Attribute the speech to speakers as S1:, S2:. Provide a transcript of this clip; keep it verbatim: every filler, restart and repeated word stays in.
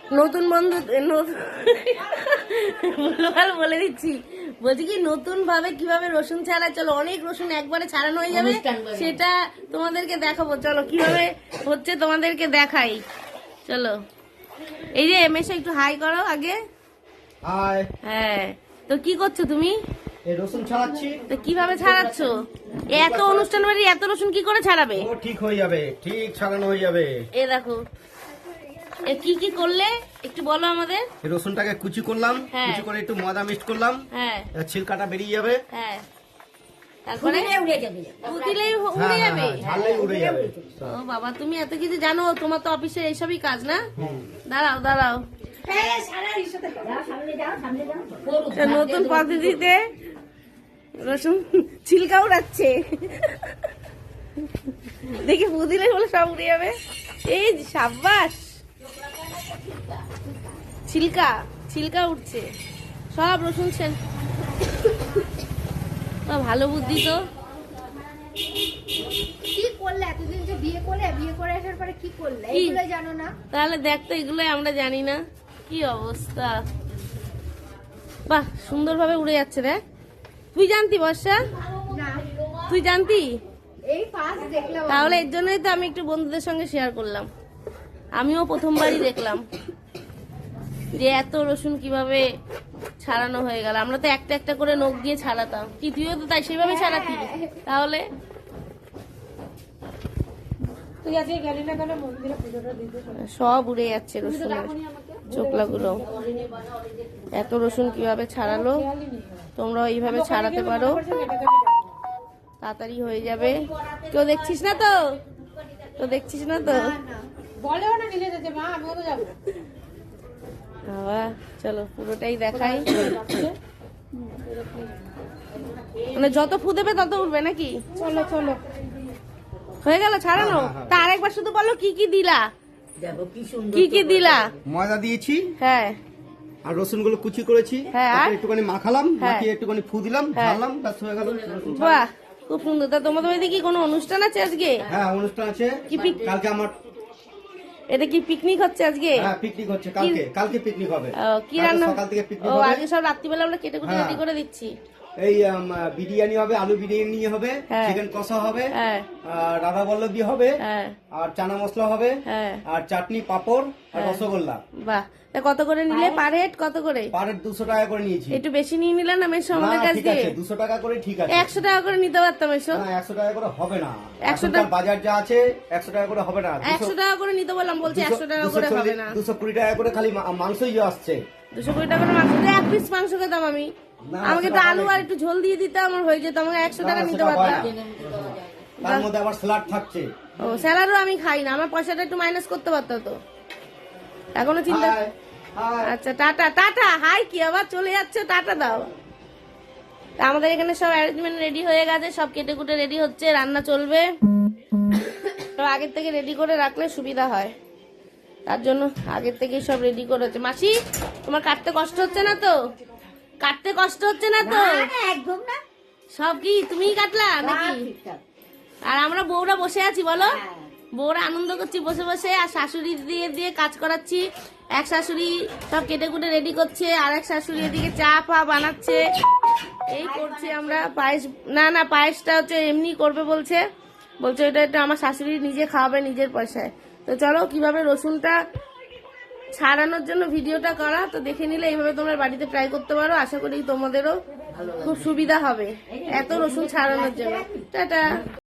S1: নতুন বন্ধু ভুলভাল বলে দিচ্ছি, বলছি কি নতুন ভাবে কিভাবে রসুন ছাড়া, চলো অনেক রসুন একবারে ছাড়ানো হয়ে যাবে, সেটা তোমাদেরকে দেখাবো। চলো কিভাবে হচ্ছে তোমাদেরকে দেখাই, চলো। এই যে এমএসে একটু হাই করো আগে।
S2: হাই।
S1: হ্যাঁ, তো কি করছো তুমি?
S2: এই রসুন ছাড়াচ্ছি।
S1: তো কিভাবে ছাড়াচ্ছ? এত অনুষ্ঠান বাড়ি এত রসুন কি করে ছাড়াবে?
S2: ও ঠিক হয়ে যাবে, ঠিক ছাড়ানো হয়ে যাবে।
S1: এ দেখো, এ কি কি করলে একটু বলো আমাদের।
S2: এই রসুনটাকে কুচি করলাম,
S1: হ্যাঁ।
S2: কুচি করে একটু ময়দা মিক্সড করলাম,
S1: হ্যাঁ
S2: এবার ছিলকাটা বেরিয়ে যাবে।
S1: হ্যাঁ, তারপরে উড়ে যাবে, উড়ে
S2: হ্যাঁ,
S1: যাবে।
S2: হ্যাঁ, ঝাললেই উড়ে যাবে।
S1: ও বাবা, তুমি এত কিছু জানো, তোমার তো অফিসে এইসবই কাজ না? দাঁড়াও দাঁড়াও, নতুন পদ্ধতিতে রসুন ছিলকা উড়াচ্ছে, দেখি বুদিলে বলে সব উড়ে যাবে। এই সাব্বাস, ছিলকা ছিলকা উঠছে সব রসুন ছেন, ভালো বুদ্ধি তো।
S3: কি করলে এতদিন যে বিয়ে করলে, বিয়ে করে আসার পরে কি করলে এগুলো জানো না?
S1: তাহলে দেখতো, এগুলো আমরা জানি না, কি অবস্থা। বাহ, সুন্দরভাবে উড়ে যাচ্ছে রে। তুই জানতি বর্ষা?
S3: না,
S1: তুই জানতি?
S3: এই ফার্স্ট দেখলাম।
S1: তাহলে এর জন্যই তো আমি একটু বন্ধুদের সঙ্গে শেয়ার করলাম, আমিও প্রথমবারই দেখলাম যে এত রসুন কিভাবে ছাড়ানো হয়ে গেল। আমরা তো একটা একটা করে নখ দিয়ে ছাড়াতাম, কি তুইও তো তাই সেভাবে ছাড়াতি? তাহলে সব উড়ে যাচ্ছে রসুনের চোখলাগুলো। এত রসুন কিভাবে ছাড়ালো, তোমরা এইভাবে ছাড়াতে পারো, তাড়াতাড়ি হয়ে যাবে। কেউ দেখছিস না তো? তো দেখছিস না তো?
S3: বলেও না নিজে যেতে, মা আমিও তো যাবো।
S1: বাবা চলো পুরোটাই দেখাই। মানে যত ফু দেবে তত উঠবে নাকি?
S3: চলো চলো,
S1: হয়ে গেল ছাড়ানো? তা আরেকবার শুধু বলো কি কি দিলা, কি কি দিলা?
S2: ময়দা দিয়েছি,
S1: হ্যাঁ,
S2: আর রসুন গুলো কুচি করেছি,
S1: হ্যাঁ, আর?
S2: তারপরে একটুখানি মাখালাম,
S1: হ্যাঁ।
S2: মাখিয়ে একটুখানি ফু দিলাম,
S1: হ্যাঁ।
S2: ঝাললাম, ব্যাস হয়ে গেল।
S1: বাহ, খুব সুন্দর। তা তোমাদের বাড়িতে কি কোনো অনুষ্ঠান আছে আজকে?
S2: হ্যাঁ, অনুষ্ঠান আছে।
S1: কি পিক-
S2: কালকে আমার
S1: এটা কি পিকনিক হচ্ছে আজকে?
S2: হ্যাঁ পিকনিক হচ্ছে, কালকে কালকে পিকনিক হবে।
S1: ও, কি
S2: কালকে
S1: রান্না?
S2: সকাল থেকে পিকনিক
S1: ও,
S2: হবে।
S1: আজকে সব রাত্রিবেলা আমরা কেটে কুটে
S2: হ্যাঁ।
S1: রেডি করে দিচ্ছি।
S2: এই আম, বিরিয়ানি হবে, আলু বিরিয়ানি হবে,
S1: হ্যাঁ।
S2: চিকেন কষা হবে,
S1: হ্যাঁ
S2: আর রাধা বল্লভী হবে,
S1: হ্যাঁ
S2: আর চানা মশলা হবে,
S1: হ্যাঁ,
S2: আর চাটনি, পাপড়, আর
S1: হ্যাঁ।
S2: রসগোল্লা।
S1: বাহ, তা কত করে নিলে পার হেড? কত করে?
S2: পার দুশো টাকা করে নিয়েছি।
S1: একটু বেশি নিয়ে নিলে না মেশো
S2: না,
S1: আমাদের কাছ
S2: ঠিক
S1: দিয়ে?
S2: আছে, দুশো টাকা করে ঠিক আছে।
S1: একশো টাকা করে নিতে পারতাম এসো।
S2: না, একশো টাকা করে হবে না,
S1: একশো
S2: এখনকার
S1: টাকা-
S2: বাজার যা আছে একশো টাকা করে হবে না।
S1: একশো টাকা করে নিতে বললাম, বলছি একশো টাকা করে হবে না।
S2: দুশো কুড়ি টাকা করে খালি মা- মাংসই আসছে।
S1: দুশো কুড়ি টাকা করে মাংস দিয়ে এক পিস মাংস খেতাম আমি।
S2: না,
S1: আমাকে একটু
S2: সেটা
S1: আলু
S2: হবে
S1: আর একটু ঝোল দিয়ে দিতে আমার হয়ে যেত, আমাকে একশো
S2: না,
S1: টাকা নিতে
S2: সেটা হয়
S1: পারতাম।
S2: না। তার মধ্যে আবার স্যালাড থাকছে।
S1: ও, স্যালাডও আমি খাই না, আমার পয়সাটা একটু মাইনাস করতে পারতো তো। এখনো চিন্তা।
S2: Hi, hi.
S1: আচ্ছা টাটা টাটা, হাই কি আবার চলে যাচ্ছে, টাটা দাও। তা আমাদের এখানে সব অ্যারেঞ্জমেন্ট রেডি হয়ে গেছে, সব কেটে কুটে রেডি হচ্ছে, রান্না চলবে। তো আগের থেকে রেডি করে রাখলে সুবিধা হয়, তার জন্য আগের থেকেই সব রেডি করে হচ্ছে। মাসি, তোমার কাটতে কষ্ট হচ্ছে না তো? কাটতে কষ্ট হচ্ছে না তো?
S3: একদম না,
S1: সব কি তুমিই কাটলা নাকি? আর আমরা বউরা বসে আছি, বলো বউরা আনন্দ করছি বসে বসে, আর শাশুড়ি দিয়ে দিয়ে কাজ করাচ্ছি। এক শাশুড়ি সব কেটে কুটে রেডি করছে, আর এক শাশুড়ি এদিকে চা ফা বানাচ্ছে, এই করছি আমরা। পায়েস, না না পায়েসটা হচ্ছে এমনি করবে বলছে, বলছে এটা এটা আমার শাশুড়ি নিজে খাওয়াবে নিজের পয়সায়। তো চলো কিভাবে রসুনটা ছাড়ানোর জন্য ভিডিওটা করা, তো দেখে নিলে এইভাবে তোমরা বাড়িতে ট্রাই করতে পারো, আশা করি তোমাদেরও খুব সুবিধা হবে এত রসুন ছাড়ানোর জন্য। টাটা।